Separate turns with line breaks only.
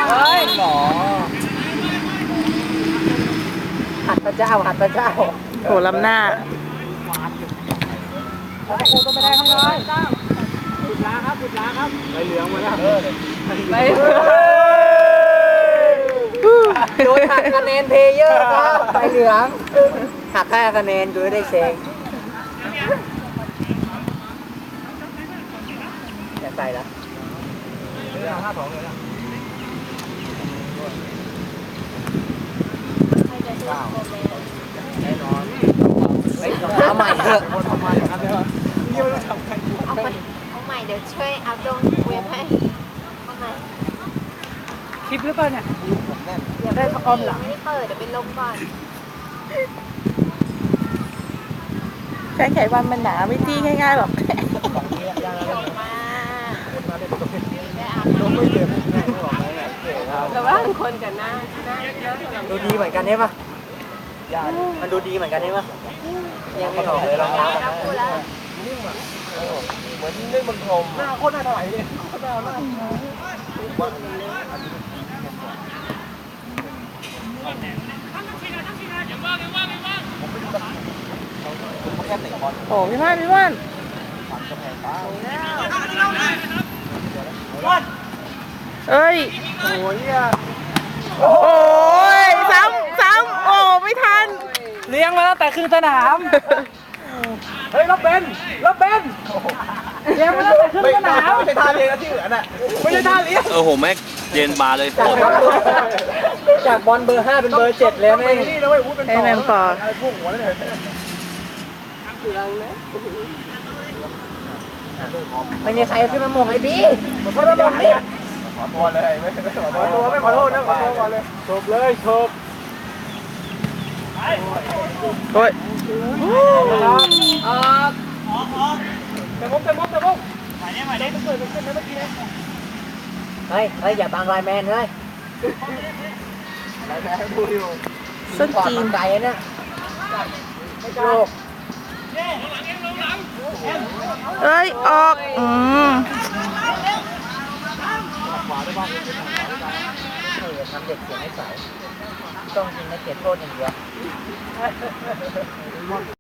เฮ้ยหมอหัดพระเจ้าหัดพระเจ้า
โหล้ำหน้า
โอ้โหต้องไม่ได้ครับเลยสุดล้าครับสุดล้าครับไปเหลืองมาแล้วไปโดยหักคะแนนเพลเยอร์ครับไปเหลืองหักแค่คะแนนโดยได้เซงอย่าใส่ละ5-2เลยนะแน่นอนเอาใหม่เถอะเอาใหม่ครับ
เอาใหม่เดี๋ยวช่วยอัพลงเว็บให้เอาใหม่
คลิปหรือเปล่าเนี่ยอยากได้ออมหลัง
ไม่ได้เปิดเดี๋ยวเป็นลมก่อน
แค่ไขวันมันหนาไม่จี้ง่ายๆหรอก
มาแต่ว่าคนกับหน้า
ดูดีเหมือนกันใช่ปะมันดูดีเหมือนกันใช่ปะยังไม่ออกเลยเรา
พูดแล้ว
เหมือนเล่นบนพรมหน้าโคตรน่าถลายเลย
โอ้พี่ว่านเอ้ย
โอ้ย
โอ้ยซ้ำโอ้ไม่ทัน
เลี้ยงมาตั้งแต่คืนสนามเฮ้ยรับเบนเลี้ยงมาตั้งแต่คืนสนามไม่ใช่ท่าเลี้ยงที่เหลือน่ะไม่ใช่ท่าเลี้ยง
โหแม็กเย็นบาเลย
จากบอลเบอร์5เป็นเบอร์7เลยแม่
ไอ้แมนปอ
ไม่มีใครขึ้นมาหม่งไอ้พี่ขอโทษเลยขอโทษเลยไม่ขอโทษนะขอโทษก่อนเลยจบเลยจบ
โอ้ย
เต็มมุกใหม่ได้ต้องเปิดขึ้นนะเมื่อกี้เฮ้ยอย่าบังไลน์แมนเลยไลน์แมนดูอยู่
ส้นจีน
ไก่เนี่ยโลก
เอ้ยออก
ทำเด็กเสียงให้ใสต้องยิงในเขตโทษอย่างเดียว